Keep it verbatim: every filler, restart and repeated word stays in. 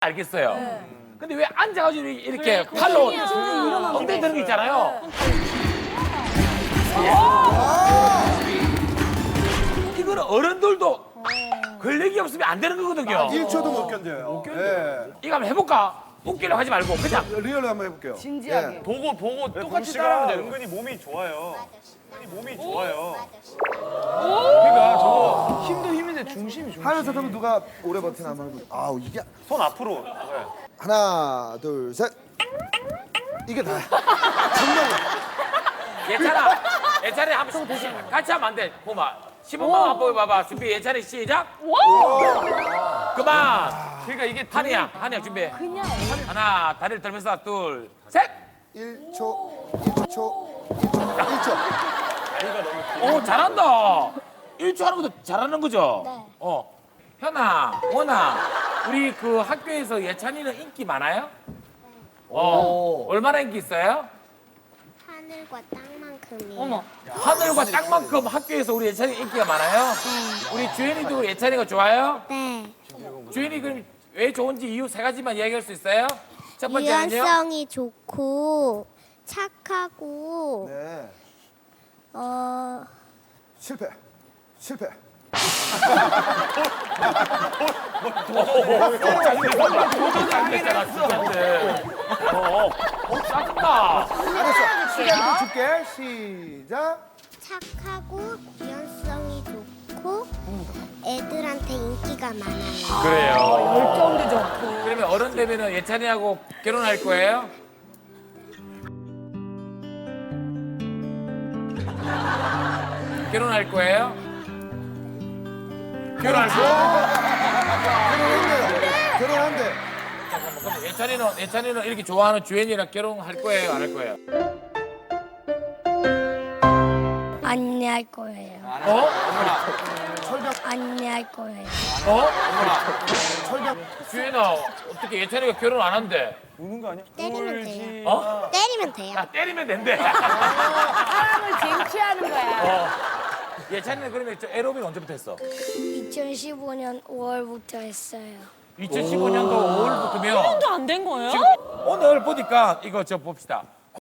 알겠어요. 근데 왜 앉아가지고 이렇게 팔로 엉덩이 드는 게 있잖아요. 이거는 어른들도 근력이 없으면 안 되는 거거든요. 일 초도 못 견뎌요. 못 견뎌요. 이거 한번 해볼까? 웃기려고 하지 말고 그냥 리얼로 한번 해볼게요. 진지하게. 예. 보고 보고 똑같이 따라하면 돼. 은근히 몸이 좋아요. 은근히 몸이 좋아요. 그러니까 저거 힘도 힘인데 중심이 좀. 하면서 그러면 누가 오래 버티나 한번 해볼게요. 아우 이게 손 앞으로. 하나 둘 셋. 이게 다야. 정말. 예찬아, 예찬이 한번 같이 하면 안 돼. 보마. 시범만 한번 보여봐봐. 준비 예찬이 시작. 그만. 그러니까 이게 한이야, 한이야 준비. 하나, 다리를 들면서 둘, 셋. 일 초, 일 초, 일 초, 일 초. 오 잘한다. 일 초 하는 것도 잘하는 거죠? 네. 어. 현아, 원아, 우리 그 학교에서 예찬이는 인기 많아요? 어. 얼마나 인기 있어요? 하늘과 땅만큼이에요. 어머. 하늘과 땅만큼 학교에서 우리 예찬이 인기가 많아요? 우리 주현이도 예찬이가 좋아요? 네. 주현이 그럼 왜 좋은지 이유 세 가지만 이야기할 수 있어요? 첫 번째는요? 유연성이 좋고 착하고 네. 어 실패. 실패. 안 됐잖아, 진짜인데. 어, 어, 짜증나. 알았어. 시간 좀 줄게. 시작. 착하고 유연성이 좋고 애들한테 인기가 많아요. 그래요. 열정도 좋고. 그러면 어른 되면 예찬이하고 결혼할 거예요? 결혼할 거예요? 결혼할 거예요? 결혼한대요. 결혼한대. 그럼 예찬이는 예찬이는 이렇게 좋아하는 주현이랑 결혼할 거예요, 안 할 거예요? 안내할 거예요. 어? 안내할 거예요. 어? 주현아, 어떻게 예찬이가 결혼 안 한대? 우는 거 아니야? 때리면 돼요. 어? 때리면 돼요. 야, 때리면 된대. 사람을 쟁취하는 거야. 어. 예찬이는 그러면 저 에로빅 언제부터 했어? 이천십오 년 오월부터 했어요. 이천십오 년도 오월부터면 또 안 된 거예요? 지금 오늘 보니까 이거 저 봅시다.